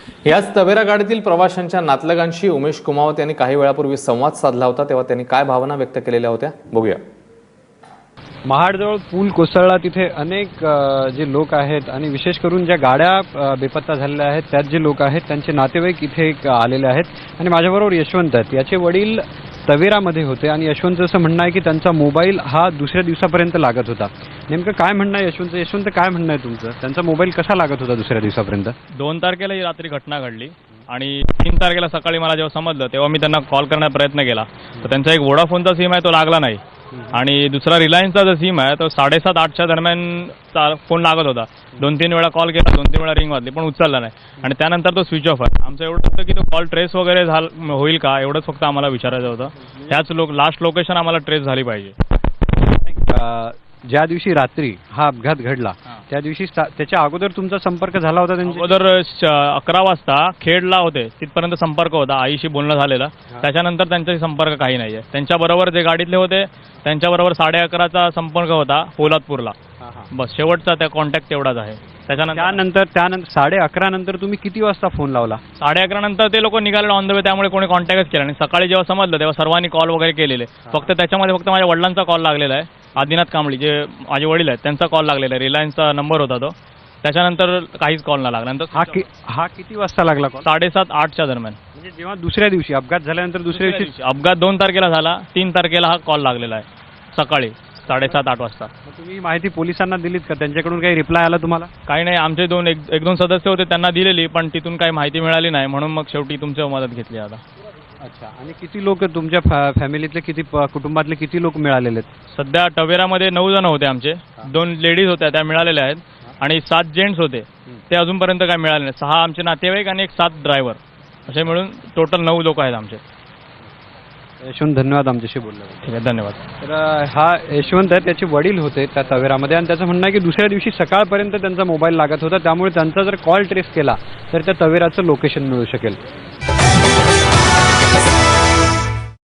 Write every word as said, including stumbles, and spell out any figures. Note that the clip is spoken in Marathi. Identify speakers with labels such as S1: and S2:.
S1: याच तवेरा गाडीतील प्रवाशांच्या नातलगांशी उमेश कुमावत यांनी काही वेळापूर्वी संवाद साधला होता, तेव्हा त्यांनी काय भावना व्यक्त केलेल्या होत्या बघूया।
S2: महाडजवळ पूल कोसळला, तिथे अनेक जे लोक आहेत आणि विशेष करून ज्या गाड्या बेपत्ता झालेल्या आहेत त्यात जे लोक आहेत त्यांचे नातेवाईक इथे आलेले आहेत आणि माझ्याबरोबर यशवंत आहेत। याचे वडील तवेरामध्ये होते आणि यशवंत असं म्हणणं आहे की त्यांचा मोबाईल हा दुसऱ्या दिवसापर्यंत लागत होता। नेमकं काय म्हणणं आहे यशवंत? यशवंत काय म्हणणं आहे तुमचं? त्यांचा मोबाईल कसा लागत होता दुसऱ्या दिवसापर्यंत?
S3: दोन तारखेला ही रात्री घटना घडली आणि तीन तारखेला सकाळी मला जेव्हा समजलं तेव्हा मी त्यांना कॉल करण्याचा प्रयत्न केला, तर त्यांचा एक वोडाफोनचा सिम आहे तो लागला नाही आणि दुसरा रिलायन्सचा जो सिम आहे तो साडेसात आठच्या दरम्यान फोन लागत होता। दोन तीन वेळा कॉल केला, दोन तीन वेळा रिंग वाजली पण उचलला नाही आणि त्यानंतर तो स्विच ऑफ आहे। आमचं एवढं होतं की तो कॉल ट्रेस वगैरे झाला होईल का एवढंच फक्त आम्हाला विचारायचं होतं। त्याच लोक लास्ट लोकेशन आम्हाला ट्रेस झाली पाहिजे।
S2: ज्या दिवशी रात्री हा अपघात घडला त्या दिवशी त्याच्या अगोदर तुमचा संपर्क झाला होता? त्यांच्या
S3: अगोदर अकरा वाजता खेडला होते, तिथपर्यंत संपर्क होता, आईशी बोलणं झालेलं। त्याच्यानंतर त्यांचा संपर्क काही नाहीये। त्यांच्याबरोबर जे गाडीतले होते त्यांच्याबरोबर साडे अकराचा संपर्क होता पोलादपूरला, बस शेवटचा त्या कॉन्टॅक्ट तेवढाच आहे। त्याच्यानंतर
S2: त्यानंतर त्यानंतर साडे अकरा नंतर तुम्ही किती वाजता फोन लावला?
S3: साडे अकरा नंतर ते लोक निघाले ऑन द वे, त्यामुळे कोणी कॉन्टॅक्टच केला नाही। सकाळी जेव्हा समजलं तेव्हा सर्वांनी कॉल वगैरे केलेले, फक्त त्याच्यामध्ये फक्त माझ्या वडिलांचा कॉल लागलेला आहे, आदिनाथ कांबळी जे माझे वडील आहेत त्यांचा कॉल लागलेला आहे, रिलायन्सचा नंबर होता तो। त्याच्यानंतर काहीच कॉल नाही लागला। नंतर
S2: हा कि हा किती वाजता लागला कॉल?
S3: साडेसात आठच्या दरम्यान,
S2: म्हणजे जेव्हा दुसऱ्या दिवशी अपघात झाल्यानंतर दुसऱ्या दिवशी?
S3: अपघात दोन तारखेला झाला, तीन तारखेला हा कॉल लागलेला आहे सकाळी साडेसात आठ वाजता।
S2: तुम्ही माहिती पोलिसांना दिलीत का? त्यांच्याकडून काही रिप्लाय आला तुम्हाला?
S3: काही नाही, आमचे दोन एक, एक दोन सदस्य होते त्यांना दिलेली पण तिथून काही माहिती मिळाली नाही, म्हणून मग शेवटी तुमची मदत घेतली आता।
S2: अच्छा, आणि किती लोक तुमच्या फॅ फॅमिलीतले किती कुटुंबातले किती लोक मिळालेले आहेत?
S3: सध्या टवेरामध्ये नऊ जण होते आमचे, दोन लेडीज होत्या त्या मिळालेल्या आहेत आणि सात जेंट्स होते ते अजूनपर्यंत काय मिळाले नाही। सहा आमचे नातेवाईक आणि एक सात ड्रायव्हर, असे मिळून टोटल नऊ लोक आहेत आमचे।
S2: यशवंत, धन्यवाद आमच्याशी बोलला।
S3: ठीक आहे, धन्यवाद।
S2: तर हा यशवंत आहे, त्याचे वडील होते त्या तवेरामध्ये आणि त्याचं म्हणणं आहे की दुसऱ्या दिवशी सकाळपर्यंत त्यांचा मोबाईल लागत होता, त्यामुळे त्यांचा जर कॉल ट्रेस केला तर त्या तवेराचं लोकेशन मिळू शकेल।